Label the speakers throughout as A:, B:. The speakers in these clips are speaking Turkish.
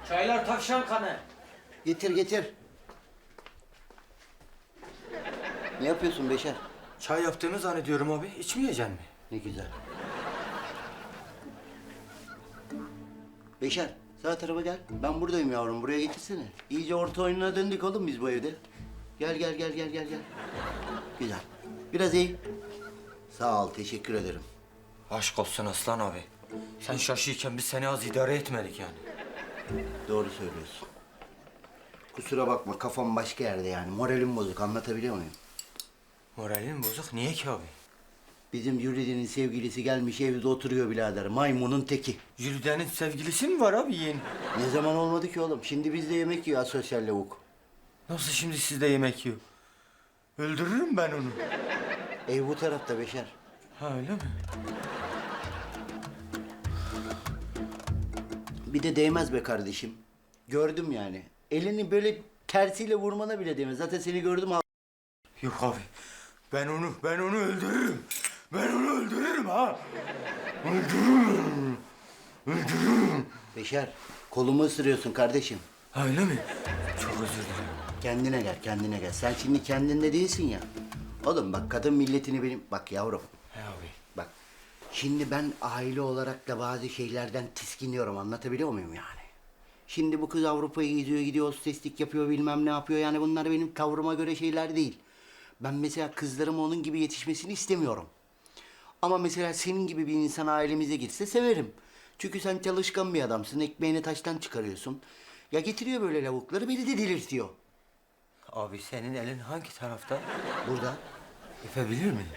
A: Çaylar tavşan kanı.
B: Getir getir. Ne yapıyorsun Beşer?
A: Çay yaptığımı zannediyorum abi. İçmeyeceksin mi?
B: Ne güzel. Beşer, sağ tarafa gel. Ben buradayım yavrum, buraya getirsene. İyice orta oyununa döndük oğlum biz bu evde. Gel gel gel gel gel gel. Güzel. Biraz iyi. Sağ ol, teşekkür ederim.
A: Aşk olsun Aslan abi. Sen şaşıyken biz seni az idare etmedik yani.
B: Doğru söylüyorsun. Kusura bakma, kafam başka yerde yani. Moralim bozuk, anlatabiliyor muyum?
A: Moralin bozuk. Niye ki abi?
B: Bizim Jüride'nin sevgilisi gelmiş evde oturuyor birader. Maymunun teki.
A: Jülide'nin sevgilisi mi var abi yeğen?
B: Ne zaman olmadı ki oğlum? Şimdi bizde yemek yiyor asosyal lavuk.
A: Nasıl şimdi sizde yemek yiyor? Öldürürüm ben onu.
B: Ev bu tarafta Beşer.
A: Ha öyle mi?
B: Bir de değmez be kardeşim. Gördüm yani. Elini böyle tersiyle vurmana bile değmez. Zaten seni gördüm al.
A: Yok abi. Ben onu öldürürüm. Ben onu öldürürüm ha. Öldürürüm. Öldürürüm.
B: Beşer, kolumu ısırıyorsun kardeşim.
A: Ha öyle mi? Çok özür dilerim.
B: Kendine gel, kendine gel. Sen şimdi kendinde değilsin ya. Oğlum bak kadın milletini benim... Bak yavrum,
A: He abi.
B: bak. Şimdi ben aile olarak da bazı şeylerden tiskiniyorum. Anlatabiliyor muyum yani? Şimdi bu kız Avrupa'ya gidiyor, gidiyor hosteslik yapıyor, bilmem ne yapıyor. Yani bunlar benim tavrıma göre şeyler değil. Ben mesela kızlarım onun gibi yetişmesini istemiyorum. Ama mesela senin gibi bir insan ailemize girse severim. Çünkü sen çalışkan bir adamsın, ekmeğini taştan çıkarıyorsun. Ya getiriyor böyle lavukları, beni de delirtiyor.
A: Abi senin elin hangi tarafta?
B: Burada
A: Öpebilir miyim?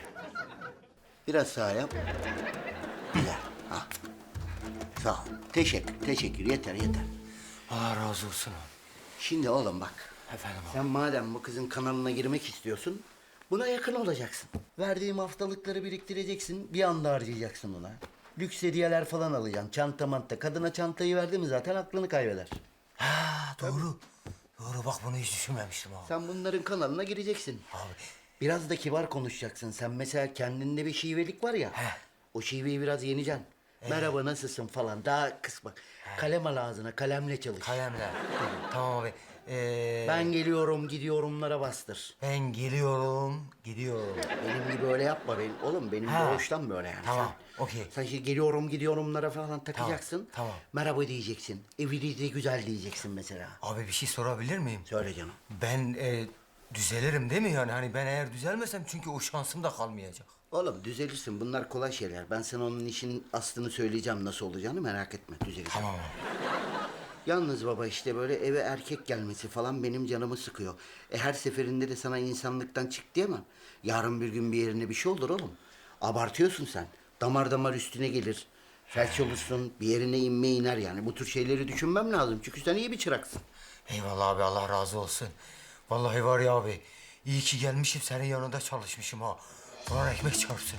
B: biraz sağ yap. Güzel. Ha. Sağ ol. Teşekkür. Yeter.
A: Allah razı olsun abi.
B: Şimdi oğlum bak.
A: Efendim abi.
B: Sen madem bu kızın kanalına girmek istiyorsun, buna yakın olacaksın. Verdiğim haftalıkları biriktireceksin, bir anda harcayacaksın ona. Lüks hediyeler falan alacaksın, çanta manta. Kadına çantayı verdi mi zaten aklını kaybeder.
A: Ha doğru. Doğru bak bunu hiç düşünmemiştim abi.
B: Sen bunların kanalına gireceksin.
A: Abi.
B: Biraz da kibar konuşacaksın. Sen mesela kendinde bir şivelik var ya.
A: He.
B: O şiveyi biraz yeneceksin. Merhaba nasılsın falan daha kısma. Kalem al ağzına, kalemle çalış.
A: Kalemle. Tamam abi.
B: Ben geliyorum, gidiyorumlara bastır.
A: Ben geliyorum, gidiyorum.
B: Benim gibi öyle yapma benim. Oğlum benim
A: Ha.
B: doğuştan böyle yani.
A: Tamam, okey.
B: Sen şimdi geliyorum, gidiyorumlara falan takacaksın.
A: Tamam.
B: Merhaba diyeceksin. Evliliği de güzel diyeceksin mesela.
A: Abi bir şey sorabilir miyim?
B: Söyle canım.
A: Ben düzelirim değil mi yani? Hani ben eğer düzelmesem çünkü o şansım da kalmayacak.
B: Oğlum düzelirsin. Bunlar kolay şeyler. Ben sana onun işin aslını söyleyeceğim nasıl olacağını merak etme. Düzelirsin.
A: Tamam abi.
B: Yalnız baba işte böyle eve erkek gelmesi falan benim canımı sıkıyor. Her seferinde de sana insanlıktan çık diyemem. Yarın bir gün bir yerine bir şey olur oğlum. Abartıyorsun sen. Damar damar üstüne gelir. Felç olursun, bir yerine inme iner yani. Bu tür şeyleri düşünmem lazım. Çünkü sen iyi bir çıraksın.
A: Eyvallah abi Allah razı olsun. Vallahi var ya abi. İyi ki gelmişim senin yanında çalışmışım ha. Bana ekmek çarpsın.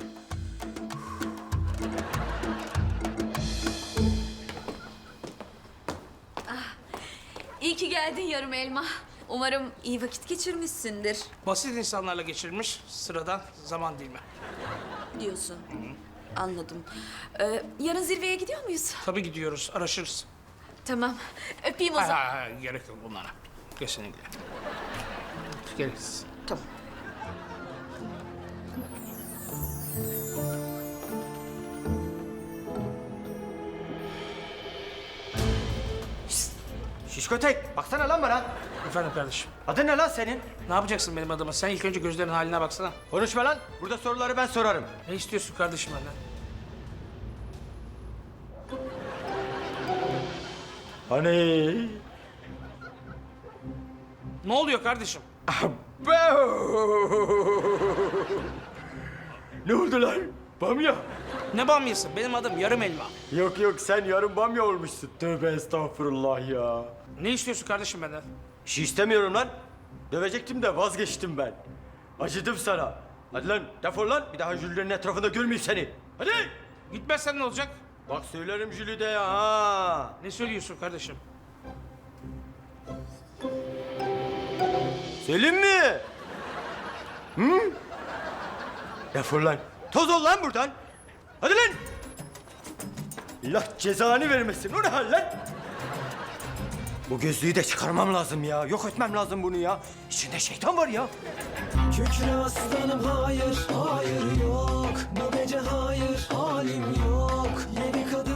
C: İyi ki geldin yarım elma. Umarım iyi vakit geçirmişsindir
D: Basit insanlarla geçirmiş, sıradan zaman dilimi.
C: diyorsun. Anladım. Yarın zirveye gidiyor muyuz?
D: Tabii gidiyoruz, araşırız.
C: Tamam. Öpeyim o zaman.
D: Ha, gerek yok bunlara. Kesinlikle. Gereksiz.
C: Tamam.
A: Şişko tek. Baksana lan bana.
D: Efendim kardeşim,
A: Adın ne lan senin?
D: ne yapacaksın benim adıma? Sen ilk önce gözlerin haline baksana.
A: Konuşma lan. Burada soruları ben sorarım.
D: Ne istiyorsun kardeşim benden?
A: Hani?
D: Ne oluyor kardeşim?
A: Ne oldu lan? Bamya.
D: Ne bamyası? Benim adım yarım elma.
A: Yok sen yarın bamya olmuşsun. Tövbe estağfurullah ya.
D: Ne istiyorsun kardeşim benden?
A: Bir şey istemiyorum lan. Dövecektim de vazgeçtim ben. Acıdım sana. Hadi lan defol lan. Bir daha Jülide'nin etrafında görmeyeyim seni. Hadi.
D: Gitmezsen ne olacak?
A: Bak söylerim Jülide'ye ha.
D: Ne söylüyorsun kardeşim?
A: Söyleyeyim mi? Hı? Defol lan. Toz ol lan buradan. Hadi lan. Allah cezanı vermesin. O ne hal lan? Bu gözlüğü de çıkarmam lazım ya. Yok etmem lazım bunu ya. İçinde şeytan var ya.
E: Kükre aslanım hayır, hayır yok. Bu gece hayır, halim yok. Yedi kadın